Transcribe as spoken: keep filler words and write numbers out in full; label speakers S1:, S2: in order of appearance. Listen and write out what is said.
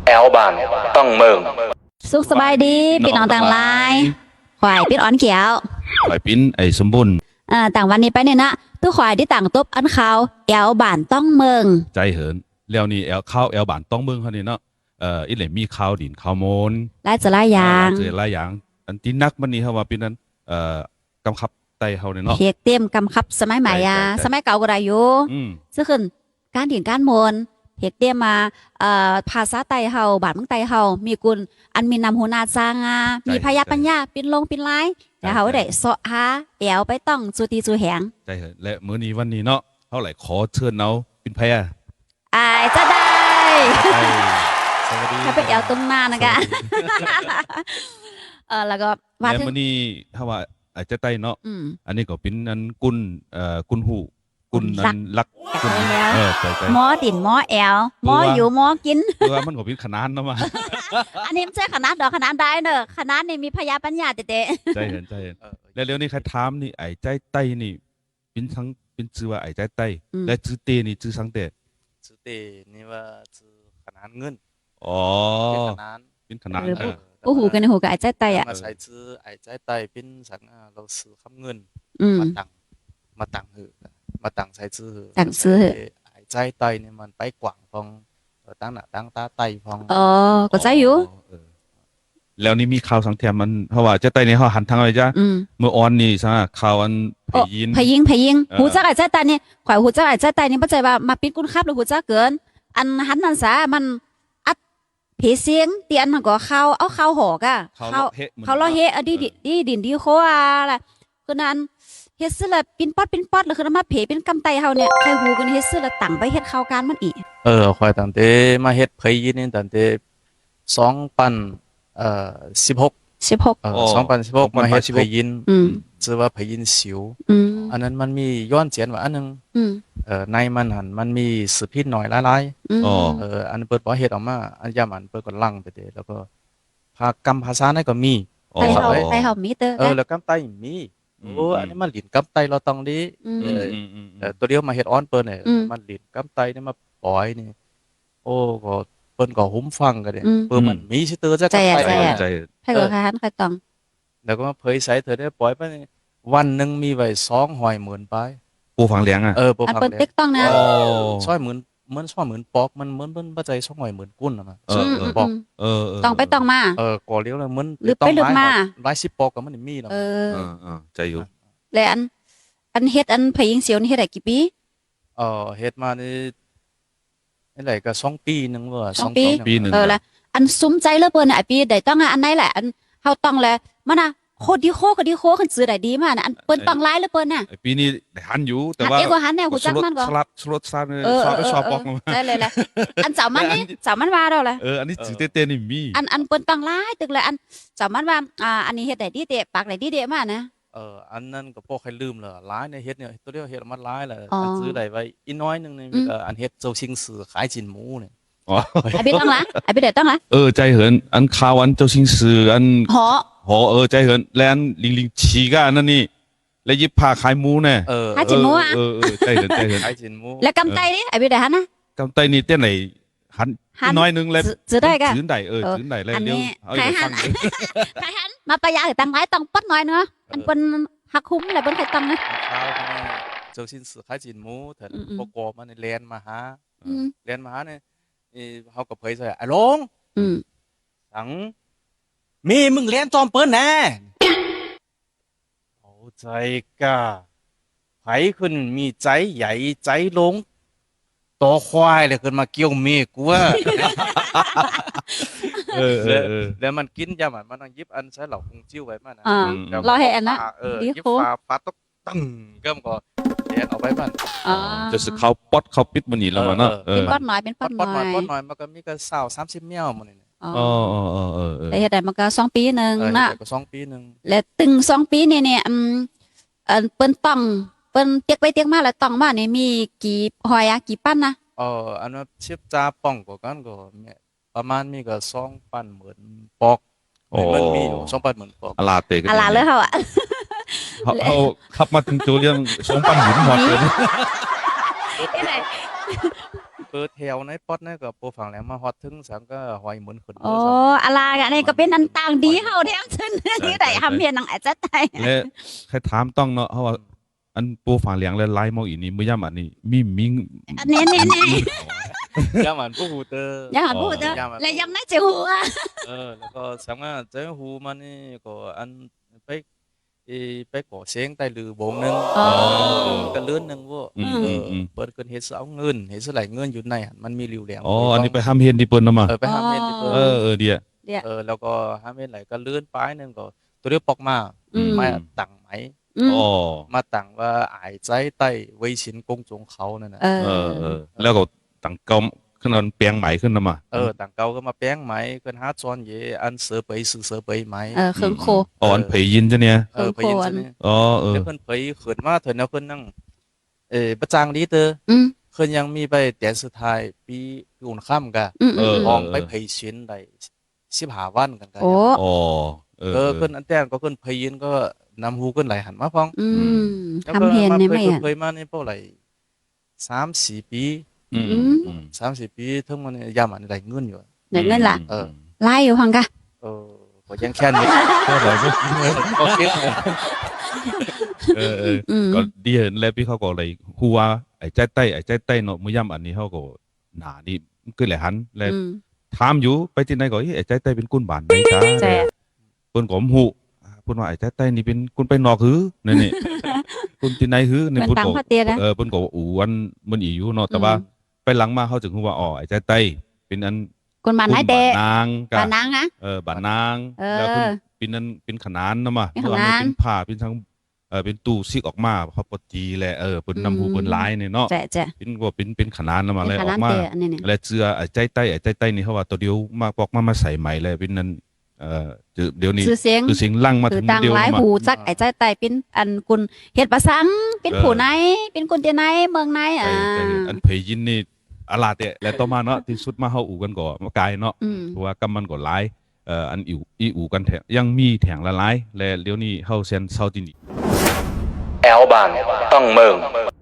S1: แอลบานต้องเมือง
S2: สุขสบายดีพี่น้องต่างหลายข่อยพี่อ้อนเขียว
S3: ข่อยปิ้นไอ้สมบูรณ์
S2: เอ่อต่างวันนี้ไปเนี่ยนะตู้ข่อยที่ต่างตบอันเขาแอวบ้านต้องเมือง
S3: ใจเหินแล้วนี่แอลข้าวแอลบานต้องเมืองเขานี่เนาะเอ่ออีเหล่มีข้าวดินข้าวโมน
S2: หลายจะหลายอย่าง
S3: เจอหลายอย่างอันที่นักมันนี่เขาว่าเป็นนั้นเอ่อกำคับไตเฮาเนี่ยเนาะ
S2: เพียกเตรียมกำคับสมัยใหม่อะสมัยเก่าก็ได้อยู่ซึ่งขึ้นการดินการโมนเพียกเตรียมมาเอ่อภาษาไตเฮาบ้านเมืองไตเฮามีกุลอันมีนำหัวหน้าจางามีพยาปัญญาปินลงปินไล่แล้วเขาได้เสาะหาแอวไปต้องจูตีจูแหง
S3: ใจเหินและมื้อนี้วันนี้เนาะเฮาไหลขอเชิญเอาเป็นแพร
S2: อายจะได้
S3: สวัสดี
S2: ถ้าเป็นแอวตรงหน้านะคะเออแล้วก็
S3: ว่ามื้อนี้เฮาว่าอาจจะไต้เนาะอันนี้ก็เป็นอันกุนเอ่อกุนหูกุนอันลัก
S2: กุน
S3: เออใจใจ
S2: หมอดินหมอแอลหมออยู่หมอกิน
S3: คือว่ามันก็เป็นขนาดเนาะมา
S2: อันนี้ไม่ใช่ขนาดดอกขนาดได้เนอะขนาดนี่มีพยาปัญญาเตะ
S3: ใจเห็นใจเห็นแล้วเร็วนี้ใครถามนี่ไอ้ใจไต้นี่เป็นทั้งเป็นชื่อว่าไอ้ใจไต้และชื่อเตนี่ชื่อสังเต
S4: ชื่อเตนี่ว่าชื่อขนาดเงิน
S3: อ๋อ
S4: เป็นขนาด
S3: เป็นขนาด
S2: โอ้โหกันหูกับไอ้ใจไต้อะ
S4: มาใส่ชื่อไอ้ใจไต้เป็นสังเราซื้อคำเงินมาตังมาตังหือมาตังใส่ชื่อ
S2: ตังซื้อ
S4: ไอ้ใจไต้นี่มันไปกว่างพองตั้งหน้าตั้งตาไต้พอง
S2: อ๋อก็ใจอยู่
S3: แล้วนี่มีข่าวสังเทียมมันเพราะว่าจะไต้ในเขาหันทางอะไรจ้ะเมื่อออนนี่ซะข่าวอันพยิน
S2: พยิงพยิงหูจักไอ้ใจไต้นี่ข่อยหูจักไอ้ใจไต้นี่เข้าใจว่ามาปิ้นกุ้นคับหรือหูจักเกินอันหันนั่นซะมันอัดเพเสียงเตียนมันก็เข้าเอาเข้าหอกอะเข้าเข้าล้อเฮอดีดีดินดีโคอะไรคือนั้นเฮ็ดซื้อละปิ้นป๊อดปิ้นป๊อดแล้วคือมาเพเป็นกำไตเฮาเนี่ยใครฮู้กันเฮ็ดซื้อละตั้งไปเฮ็ดข่าวการมันอีก
S4: เออข่อยตั้งแต่มาเฮ็ดเพยินนี่ตั้งแต่สองพันเอ่อสิบหก
S2: สิบหก
S4: เออสองพันสิบหกมาเฮ็ดเพยินชื่อว่าเพยินสิวอันนั้นมันมีย้อนเจียนว่าอันนึงเอ่อในมันหันมันมีสืบพิษหน่อยหลายๆอ๋อเอออันเปิดบ่เฮ็ดออกมาอันยามอันเปิดก็ลั่งไปเด้แล้วก็ภาคกรรมภาษานั้นก็มี
S2: ไทยเฮาไทยเฮามีเด้อ
S4: เออแล้วกำไตมีโอ้อันนี้มันหลินกำไตเราต้องดีเออตัวเดียวมาเฮ็ดออนเปิ้นเนี่ยมันหลินกำไตนี่มาปล่อยนี่โอ้ก็เปิ้นก็หุ้มฟังกันเนี่ยเปิ้นมันมีสิเตอร์จักกำไต
S2: ใจให้ก็คันใครต้อง
S4: แล้วก็มาเผยใส่เธอได้ปล่อยไปวันนึงมีไว้สองร้อยหมื่นปลาย
S3: ปูฝังเลี้ยงอ่ะ
S4: เออปู
S2: ฝังเลี้ยงเปิ้นติ๊กต้องนะ
S4: โอ้สองร้อยหมื่นเหมือนสองร้อยหมื่นปอกมันเหมือนเปิ้นบ่ใจสองร้อยหมื่นกุนน่ะมัน
S3: เออปอกเออ
S2: ต้องไปต้องมา
S4: เออก่อเลี้ยวแล้วเหมือน
S2: ต้องมา
S4: หลายสิบปอกก็มันมีแล้ว
S2: เออ
S3: เออใจอยู่
S2: แล้วอันอันเฮ็ดอันพยิงเสียวนี่เฮ็ดได้กี่ปี
S4: เออเฮ็ดมานี่นี่ไหลก็สองปีนึงว่า
S2: สองปีนึงเออแล้วอันซุ้มใจเหลือเปิ้นไอ้ปีได้ต้องอันไหนแหละอันเฮาต้องแลมันน่ะโคตรดีโคก็ดีโคคันซื้อได้ดีมากนะอันเปิ้นต้องหลายเหลือเปิ้นน่ะ
S3: ไอ้ปีนี้ได้หันอยู่แต่ว่า
S2: เอกว่าหันแนวฮู้จักมันก็
S3: สลัดสลัดซานซอไปซอปอก
S2: ได้เลยแหละอันเจ้ามันนี่เจ้ามันว่าแล้วแหละ
S3: เอออันนี้จื้อเต้ๆนี่มี
S2: อันอันเปิ้นต้องหลายตึกเลยอันเจ้ามันว่าอ่าอันนี้เฮ็ดได้ดีเตะปากได้ดีเตะมานะ
S4: เอออันนั้นก็พวกใครลืมแล้วหลายในเฮ็ดเนี่ยตัวเดียวเฮ็ดมันหลายแหละอันซื้อได้ไว้อีน้อยนึงนี่มีอันเฮ็ดเจ้าชิงสือขายจินหมูเนี่ย
S3: อ๋อ
S2: ไอ้พี่ต้องละไอ้พี่ได้ต้องละ
S3: เออใจเหินอันข่าวอันเจ้าชิงสืออัน
S2: หอ
S3: หอเออใจเหินแลนลิงลิงฉีกอันนั่นนี่แล้วยิบผ้าขายหมูแน่
S4: เออ
S2: ขายจินหมูอ่ะ
S3: เออเออใจเหินใจเหิน
S4: ขายจินหมู
S2: แล้วกำไตนี่ไอ้พี่ได้หันนะ
S3: กำไตนี่เต้นไหนหันน้อยนึงแล้ว
S2: ซื้อได้ก็
S3: ซื้อได้เออซื้อได้แล้วเดี๋ยว
S2: เอาไปหันไปหันมาประหยัดตังค์หลายต้องปัดน้อยเนาะอันเปิ้นหักคุ้มอะไรเปิ้นใครต้องนะ
S4: เจ้าชิงสือขายจินหมูแต่ปกอบมันแลนมาหาแลนมาหาเนี่ยเขาก็เผยใส่ไอ้ลงสังมีมึงเลี้ยนจอมเปิ้นแน่เอาใจกะไผขึ้นมีใจใหญ่ใจลงต่อควายเลยขึ้นมาเกี่ยวเมฆกูว่า
S3: เออเออ
S4: แล้วมันกินยามันมันต้องยิบอันใช้เหล่าคงจิ้วไว้มานะ
S2: รอให้อันนะ
S4: เออยิบฟ้าฟ้าตกตั้งเกิ่มก็เลี้ยนเอาไว้มัน
S3: จะสึกเขาป๊อดเขาปิดมันนี่แล้วมันเนาะ
S2: เป็นป๊อดหน่อยเป็นป๊อดหน่อย
S4: ป๊อดหน่อยมันก็มีก็สาวสามสิบเมี่ยวมันนี่
S3: อ๋ออ๋ออ๋อเออ
S2: แต่เฮ็ดได้มันก็สองปีนึงนะ
S4: ก็สองปีนึง
S2: แล้วตึงสองปีนี่เนี่ยอืมเอ่อเปิ้นต้องเปิ้นเตียกไปเตียกมาแล้วต้องมานี่มีกี่หอยอะกี่ปั้นนะ
S4: เอออันว่าชิบจ้าป่องกว่ากันก็ประมาณมีก็สองพันหมื่นปอกมันมีอยู่สองพันหมื่นปอก
S3: อลาเตกัน
S2: อลาเลยเฮาอ่ะ
S3: เขาขับมาถึงตัวเรื่องสองพันหมื่นหมดเลย
S4: เปิดแถวในป๊อดนั่นก็โปรฝั่งแหลมมาฮอดถึงสังก็หอยเหมือนขึ้น
S2: โอ้อะไรกันนี่ก็เป็นอันต่างดีเฮาแท้ซึ่งนี่ได้ทำเพียนหนังอาจจะไต
S3: และใครถามต้องเนาะเพราะว่าอันปูฝางเหลียงและไล่มองอีนี่มื้อย่ำอันนี้มีมิง
S2: อันนี้นี่นี่
S4: ยามอันผู้ฮูเตอร์
S2: อย่าพูดเด้อและยังน่าจะหัว
S4: เออแล้วก็สังว่าเจ้าฮูมันนี่ก็อันไปไปก่อเสียงใต้ลือบงนึงก็เลื่อนนึงว่าเปิดเกินเฮ็ดเอาเงินเฮ็ดไหลเงินอยู่ในมันมีริวแหลม
S3: อ๋ออันนี้ไปห้ามเฮ็ดที่เปิ้นนำมา
S4: เออไปห้ามเฮ็ดที่เปิ้น
S3: เออเออเดีย
S4: เออแล้วก็ห้ามเฮ็ดไหลก็เลื่อนปลายนึงก็ตัวเรียกปอกมามาตั้งไหม
S3: อ๋อ
S4: มาตั้งว่าอายใจใต้ไว้ชินกงจงเขานั่นน่ะ
S2: เอ
S3: เอ
S2: อ
S3: อเออแล้วก็ตั้งเก่าขึ้นอันเปียงไหมขึ้นนำมา
S4: เออตั้งเก่าก็มาแป้งไหมเกินหาจอนเยอันเสือไปซื้อเสือไปไหม
S2: เออเครื่องโค
S3: อ๋ออันเผยยินจ้ะเนี่ย
S4: เออไปยินซะนี่
S3: อ๋อเออ
S4: แล้วเพิ่นเผยขึ้นมาเถิดแนวเพิ่นนั่งเอ่อประจางดีเตอ
S2: อืม
S4: เพิ่นยังมีไปแต่สุดท้ายปีปีอุ่นค่ำกะ
S2: อืม
S3: เออ
S4: ห้องไปเผยชินได้สิบห้าวันกันกัน
S2: โอ้
S3: อ๋อเออ
S4: เออเพิ่นอันแต่ก็เพิ่นเผยยินก็นำฮูเพิ่นไหลหันมาพ้อง
S2: อืม
S4: แล้ว
S2: ทำเพียนนี่ไหม
S4: เพิ่น
S2: อ่ะ
S4: เผยมานี่เป้าไหลสามสี่ปี
S3: อืมอืม
S4: สามสี่ปีทั้งมันยามอันได้เงินอยู่
S2: เดี๋ยวเงินล่ะ
S4: เออ
S2: ไล่อยู่พังกะ
S4: เออก็ยังแค่นี้ก็ได้ก็คิด
S3: เออเออ
S2: อืม
S3: ก็ดีเห็นแล้วพี่เขาก็เลยฮู้ว่าไอ้ใจใต้ไอ้ใจใต้เนาะมื้อย่ำอันนี้เขาก็หนานี่คือแหละหันแล้ว
S2: อืม
S3: ถามอยู่ไปที่ไหนก็เอ้ยไอ้ใจใต้เป็นกุนบ้านไหนจ้า
S2: แจ๊ะ
S3: เพิ่นก็บ่ฮู้เพิ่นว่าไอ้ใจใต้นี่เป็นกุนไปนอกหือนั่นนี่ กุนที่ไหนหือ
S2: เหมื
S3: นี่
S2: อน
S3: เพิ่น
S2: ตัง
S3: ก็
S2: พ่อเตี้ยนะ
S3: เออเพิ่นก็ว่าอู่อันมันอีอยู่เนาะแต่ว่าไปหลังมาเขาถึงฮู้ว่าอ๋อไอ้ใจใต้เป็นอัน
S2: คนมาไหนเตะ
S3: บ้านนางกะ
S2: ปานางนะ
S3: เออบ้านนาง
S2: เออ
S3: แล้วเพิ่นเป็นอันเป็นขนานเนาะมา
S2: เป็นขนาน
S3: เป็นผ้าเป็นทั้งเออเป็นตู้ซิกออกมาเขาปตีแหละเออเพิ่นนำฮู้เพิ่นหลายนี่เนาะ
S2: แจ๊ะแจ๊ะ
S3: เป็นว่าเป็นเป็นขนานนำมา
S2: เป็
S3: เลย
S2: นข
S3: ออ
S2: นาด
S3: กมา
S2: เตะอันนี้เนี่ย
S3: และเจือไอ้ใจใต้ไอ้ใจใต้นี่เขาว่าตัวเดียวมาปอกมามาใส่ใหม่เลยเป็นนั้นเอ่อเดี๋ยวนี้
S2: ชื่อเสียง
S3: คือเสียงลั่งมา
S2: คื
S3: ถึ
S2: อง ตัง
S3: เดียว
S2: หลาย
S3: มา
S2: หูจักไอ้ใจไตเป็นอันกุนเฮ็ดประสังเป็น
S3: เออ
S2: ผู้ไหนเป็นคนที่ไหนเมืองไหน
S3: ไอ้
S2: อ่า
S3: ไอ้อันเพยยินนี่อาลาเตะและต่อมาเนาะที่สุดมาเฮาอู่กันก่อมากายเนาะ
S2: อืม
S3: เพราะว่ากำมันก็หลายเอ่ออันอิวอีอู่กันแถงยังมีแถงละหลายและเดี๋ยวนี้เฮาเซนเซาตินี่
S1: แอลบานต้องเมือง